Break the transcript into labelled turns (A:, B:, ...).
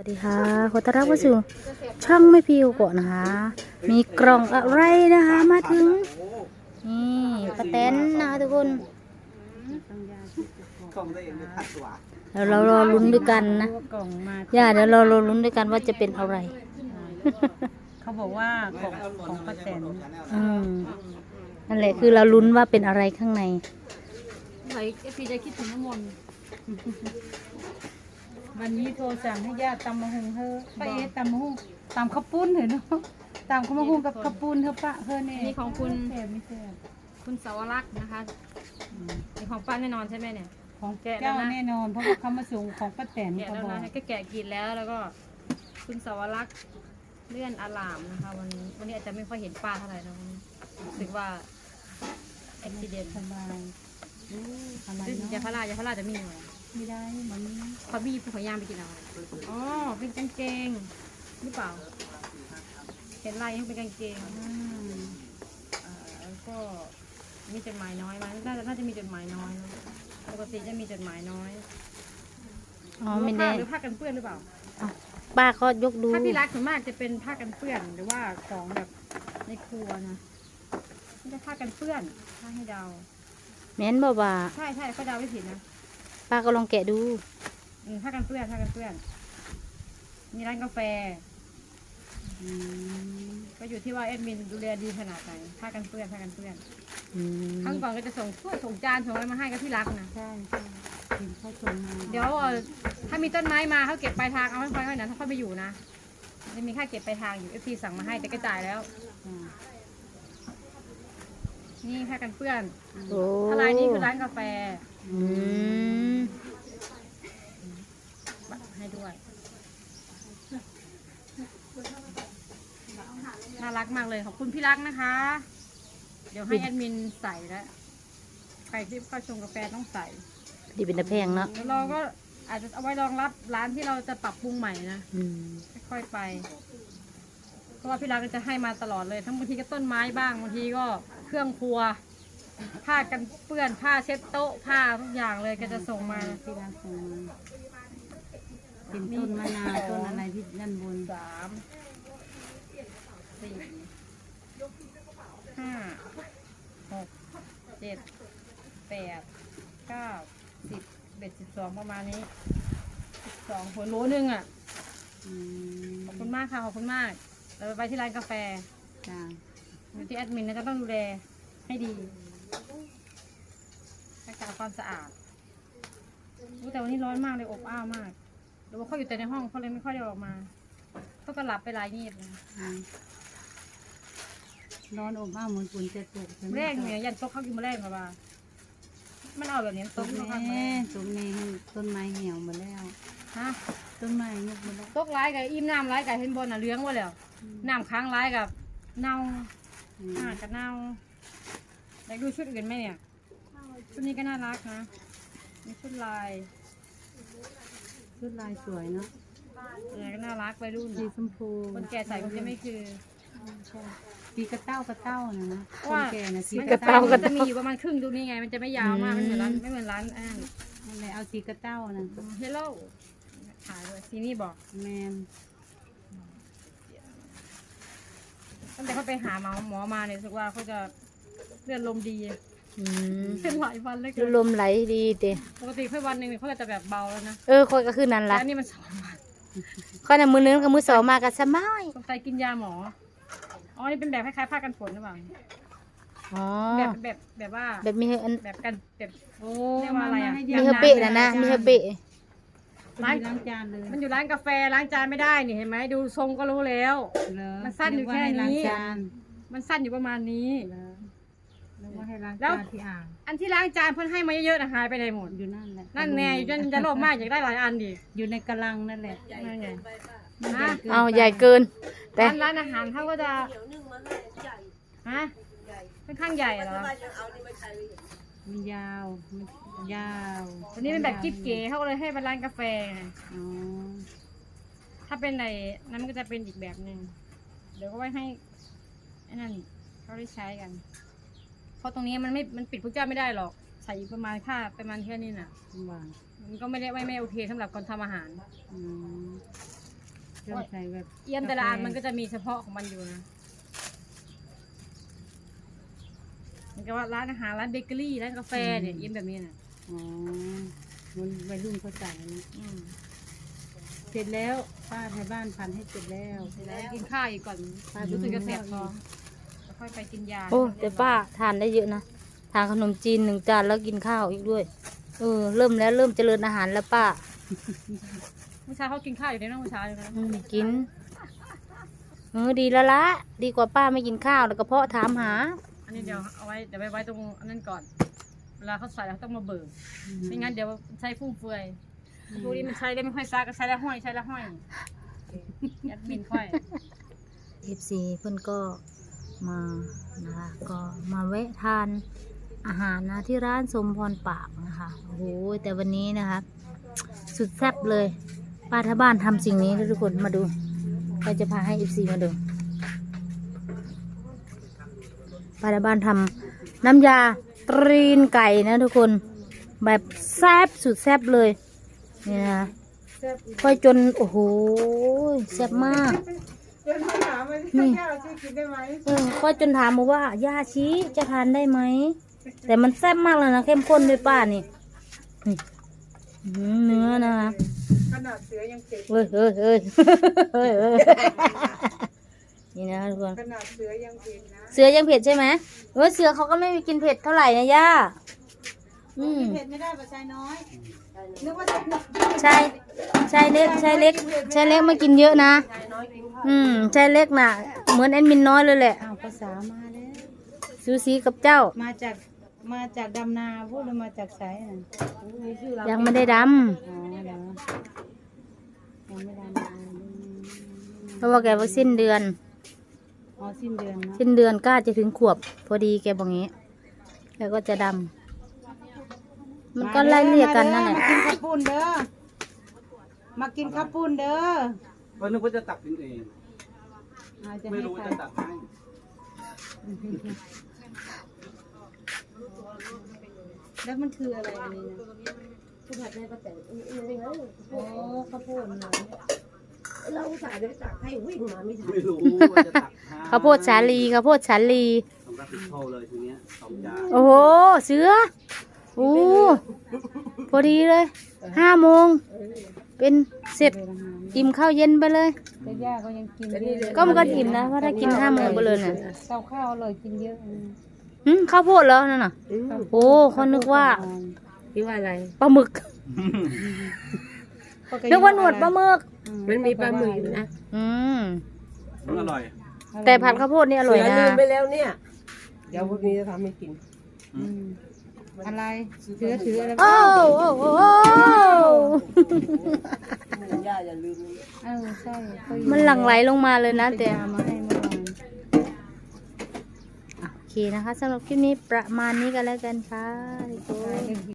A: วัสดีค่ะขอต้อนรับเข้าสู่ช่องไม่พิวก่อนนะคะ มีกล่องอะไรนะคะมาถึงนี่ป้าแตนนะคะทุกคนเดี๋ยวเรารอลุ้นด้วยกันนะย่าเดี๋ยวเรารอลุ้นด้วยกันว่าจะเป็นอะไร
B: เขาบอกว่าของป้าแตน
A: นั่นแหละคือเราลุ้นว่าเป็นอะไรข้างใน
C: ไหนเอฟซีจะคิดถึงน้ำมนต์
B: วันนี้โทรสั่งให้ญาติตำมะฮุงเธอป้าเอ๊ะตำมะฮุงตำข้าวปุ้นเหรอเนาะตำข้าวมะฮุงกับข้าวปุ้นเธอป้าเธอเนี่ย
C: นี่ของคุณ
B: แซ่บไม่แซ่บ
C: คุณสาวรักษ์นะคะนี่ของป้าแน่นอนใช่ไหมเนี่ย
B: ของ
C: แกะแล้
B: เจ้าว
C: นะ
B: แน่นอนเพราะว่าเขามาส่งของป้าแตน
C: แกะ
B: เขา
C: แล้ว
B: บอก
C: นะก็แกะกินแล้วก็คุณสาวรักษ์เลื่อนอลามนะคะวันนี้อาจจะไม่ค่อยเห็นป้าเท่าไหร่นะวันนี้รู้สึกว่าอุบิเหตุ
B: สบายอะไร
C: ซึ่ง
B: เนาะ
C: ยาพาราจะมีอยู่
B: ไม่ได้มัน
C: ขอบี้ผู้ขอยางไปกินเอาอ๋อเป็นกางเกงหรือเปล่าเห็นลายยังเป็นกางเกงแล้วก็มีจดหมายน้อยไหมน่าจะมีจดหมายน้อยนะปกติจะมีจดหมายน้อย
A: อ๋อไม่ได้
C: หรือผ้ากันเปื้อนหรือเปล่า
A: ป้าก็ยกดู
C: ถ้าพี่รักส่วนมากจะเป็นผ้ากันเปื้อนหรือว่าของแบบในครัวนะไม่ใช่ผ้ากันเปื้อนถ้าให้เดา
A: แม้นบ่บ่า
C: ใช่ก็เดาไม่ผิดนะ
A: ป้าก็ลองแกะดู
C: ผ้ากันเปื้อนมีร้านกาแฟก็อยู่ที่ว่าเอ็ดมินดูแลดีขนาดไหนผ้ากันเปื้อนครั้งก่อนก็จะส่งถ้วยส่งจานส่งอะไรมาให้กับพี่รักนะ
B: ใช่กินข้าวต้มมา
C: เดี๋ยวถ้ามีต้นไม้มาเขาเก็บปลายทางเอาให้ค่อยๆนะถ้าเขาไปอยู่นะจะมีค่าเก็บปลายทางอยู่FTสั่งมาให้แต่ก็จ่ายแล้ว นี่ผ้ากันเปื้อน
A: โอ้
C: ทลายนี่คือร้านกาแฟ
A: อืม
C: ให้ด้วย น่ารักมากเลยขอบคุณพี่รักนะคะ เดี๋ยวให้แอดมินใส่แล้วใครที่เข้าชงกาแฟต้องใส่
A: ดีเป็นตะแพงเนาะ
C: แล้วเราก็อาจจะเอาไว้รองรับร้านที่เราจะปรับปรุงใหม่นะ
A: อืม
C: ค่อยๆไป เพราะว่าพี่รักก็จะให้มาตลอดเลย ทั้งบางทีก็ต้นไม้บ้างบางทีก็เครื่องครัว ผ้ากันเปื้อนผ้าเช็ดโต๊ะผ้าทุกอย่างเลยก็จะส่งมา
B: ที่ร้านส่งมาเป็นต้นมะนาวต้นอะไรที่ด้านบน
C: 3 4 5 6 7 8 9 10 12ประมาณนี้12หัวโลนึงอ่ะขอบคุณมากค่ะขอบคุณมากเราไปที่ร้านกาแฟ
B: จ้า
C: อยู่ที่แอดมินนะจะต้องดูแลให้ดีรักษาความสะอาดแต่วันนี้ร้อนมากเลยอบอ้าวมากหรือว่าเขาอยู่แต่ในห้องเขาเลยไม่ค่อยได้ออกมาเขาก็หลับไปหลายงีบเลย
B: ร้อนอบอ้าวเหมือนฝนจะตกใช่ไหม
C: แรกเนี่ยยันโต๊ะเขากินมาแรกมาบ้ามันเอาแบบนี้
B: ต
C: โต๊ะ
B: ก
C: เขา
B: แน่
C: ทำมา
B: ตกแน่ต้นไม้เหี่ยวหมดแล้ว
C: ฮะ
B: ต้นไม้งอกหมดแล้ว
C: โต๊ะร้ายกับอิ่มน้ำร้ายกับเห็นบอลน่ะเลี้ยงไว้แล้วน้ำค้างร้ายกับเน่ากับเน่าอยากดูชุดอื่นไหมเนี่ยชุดนี้ก็น่ารักนะมีชุดลาย
B: ชุดลายสวยเนาะ
C: อะไรก็น่ารักไปรุ่น
B: สีชมพู
C: คนแก่ใส่คงจะไม่คือ
B: สีกระเต้นะนะ
C: เพ
B: ค
C: ราะ
B: น
C: ว่า
B: แก่นะสี
C: มัน
B: ก
C: ก
B: ระ
C: ระ
B: เต้า
C: เต้ามันจะมีอยู่ประมาณครึ่งตรงนี้ไงมันจะไม่ยาวมากไม่เหมือนร้าน
B: นั่นแหละเอาสีกระเต้านะ
C: เฮลโลขายด้วยซีนี่บอก
B: แมน
C: ตั้งแต่เขาไปหาหมอมาเนี่ยรู้สึกว่าเขาจะเลือดลมดี
A: อืม
C: เป็นหลายวันเลย
A: ลมไหลดีเด้
C: ปกติแค่วันหนึ่งเขาจะแบบเบาแล้วนะ
A: ค่อยก็คือนั่น
C: แต่
A: ล่ะ
C: อันนี้มัน2 วัน
A: ค่อยน่ะมือนึงกับมือสองมากับสบาย
C: สงสัยกินยาหมออ๋อนี่เป็นแบบคล้ายๆผ้ากันฝนหรือเปล่า
A: อ๋อ
C: แบบว่า
A: แบบมีอัน
C: แบบกันแบบ
B: โอ้
C: เรียกว่าอะไรอะ
A: มีเฮอเปะนะมีเฮอเปะ
B: ล้างจานเลย
C: มันอยู่ร้านกาแฟล้างจานไม่ได้นี่เห็นไหมดูทรงก็รู้แล้ว มันสั้นอยู่แค่นี้
B: จาน
C: มันสั้นอยู่ประมาณนี้
B: แล้วว่าให้ล้าง
C: แล้ว
B: จานที่อ่าง
C: อันที่ล้างจานเพิ่นให้มาเยอะๆนะหายไปไหนหมด
B: อยู่นั่นแหละ
C: นั่นแน่อยู่จะโลภมากอยากได้หลายอันดิ
B: อยู่ในกระลังนั่นแหละ
C: นั่นไง
A: เอาใหญ่เกิน แต่
C: ร้านอาหารเขาก็จะฮะค่อนข้างใหญ่เหรอ
B: มันยาวมันยาว
C: วันนี้เป็นแบบกิ๊บเก๋เขาก็เลยให้เป็นร้านกาแฟไง
B: อ๋อ
C: ถ้าเป็นในนั้นมันก็จะเป็นอีกแบบหนึ่งเดี๋ยวก็ไว้ให้ไอ้นั่นเขาได้ใช้กัน เพราะตรงนี้มันปิดพวกเจ้าไม่ได้หรอกใส่ประมาณค่าประมาณแค่นี้น่ะ
B: หวาน
C: มันก็ไม่โอเคสำหรับคนทำอาหาร
B: อืมเครื่องใส่แบบ
C: เอี่ยมแต่ละอันมันก็จะมีเฉพาะของมันอยู่นะมันก็ว่าร้านอาหารร้านเบเกอรี่ร้านกาแฟเนี่ยเอี่ยมแบบนี้น่ะ
B: อ๋อมันวัยรุ่นเขาจ่ายนะ
C: อืม
B: เสร็จแล้วป้าไทยบ้านพันให้เสร็จแล้ว
C: แล้วกินข้าวอีกก่อนรู้สึกจะแสบท้องแล้วค่อยไปกินยา
A: โอ้แต่ป้าทานได้เยอะนะทานขนมจีน1 จานแล้วกินข้าวอีกด้วยเริ่มแล้วเริ่มเจริญอาหารแล้วป้า
C: เมื่อเช้าเขากินข้าวอยู่ในน้องเมื่อเช้าเลยนะ
A: กินดีแล้วละดีกว่าป้าไม่กินข้าวแล้วกระเพาะถามหา
C: อันนี้เดี๋ยวเอาไว้เดี๋ยวไปไว้ตรงอันนั้นก่อน เวลาเขาใส่แล้วต้องมาเบิกไม่งั้นเดี๋ยวใช้ฟุ่มเฟือยพวกนี้มันใช้ได้ไม่ค่อยซักก็ใช้แล้วห้อยใช้แล้วห้อยยัดบินค่อย
A: FC เพื่อนก็มานะคะก็มาแวะทานอาหารนะที่ร้านสมพรปากนะคะโอ้โหแต่วันนี้นะคะสุดแซ่บเลยป้าท่าบ้านทำสิ่งนี้ทุกคนมาดูเราจะพาให้ FC มาดูป้าท่าบ้านทำน้ำยาตรีนไก่นะทุกคนแบบแซ่บสุดแซ่บเลยนี่นะคะค่อยจนโอ้โหแซ่บมากนี่ค่อยจนถามมาว่าย่าชี้จะทานได้ไหมแต่มันแซ่บมากเลยนะเข้มข้นด้วยป้านี่เนื้อนะคะ
B: ขนาดเสือยังเจ็บ
A: เฮ้ยนี่นะทุกคน
B: ขนาดเสือยังเจ็บนะ
A: เสือยังเผ็ดใช่ไหมเสือเขาก็ไม่กินเผ็ดเท่าไหร่นะย่า
B: เผ็ดไม่ได้ปัจจัยน้อยนึกว่าจะ
A: ชายเล็กไม่กินเยอะนะชายเล็กน่ะเหมือนแอดมินน้อยเลยแหละ
B: อ้าวภาษามาแล้ว
A: ซูซีกับเจ้า
B: มาจากดำนาพูดหรือมาจากไสน่ะ
A: ยังไม่ได้ด
B: อ๋อเหรอยังไม่ได้มา
A: ำเพราะว่าแกว่าสิ้นเดือน
B: อ๋อสิ้นเดือนเนาะ
A: สิ้นเดือนก็จะถึงขวบ พอดีแกบอกงี้แล้วก็จะดำมันก็ไล่เรียกกันนั่นแหละ
B: มากินข้าวปุ้นเด้อมากินข้าวปุ้นเด้อ
D: ก็นึกว่าจะตักกินเอง
B: อาจจะ
D: ไม่
B: ให้
D: รู้
B: ใคร
D: จะตักให้
B: แล้วมันคืออะไรอันนี้นะผู้ผัดได้ป้าแต๋วโอ้ข้าวปุ้นเหรอ
D: ไม่รู้ว่าจะตักให้
A: ข้าวโพดสาลีข้าวโพดสาลี
D: ต้องรับผิดชอบเลยทีเนี้ย2 จาน
A: โอ้โหเสือโอ้พอดีเลย5 โมงเป็นเสร็จอิ่มข้าวเย็นไปเลย
B: แต่ย่าก็ยังกินเยอะ
A: ก็มันก็อิ่มนะเพราะถ้ากิน5 โมงไปเลยน่ะ
B: ข้าวอร่อยกินเยอะ
A: ข้าวโพดเหรอนั่นน่ะโอ้เขานึกว่า
B: คิดว่าอะไร
A: ปลาหมึกนึกว่าหนวดปลาหมึก
B: มันมีปลาหมึกอยู่นะ
D: มันอร่อย
A: แต่ผัดข้าวโพดนี่อร่อยนะ
E: ลืมไปแล้วเนี่ย เดี๋ยวพรุ่งนี้จะทำให้กิน
B: อะไรถืออะไร
A: โอ้โอ้โอ้
E: ย่าอย่าลืม
B: ใช่
A: มันหลั่งไหลลงมาเลยนะแต่
B: มาให้เมื่อวาน
A: โอเคนะคะสำหรับคลิปนี้ประมาณนี้กันแล้วกันค่ะทุกคน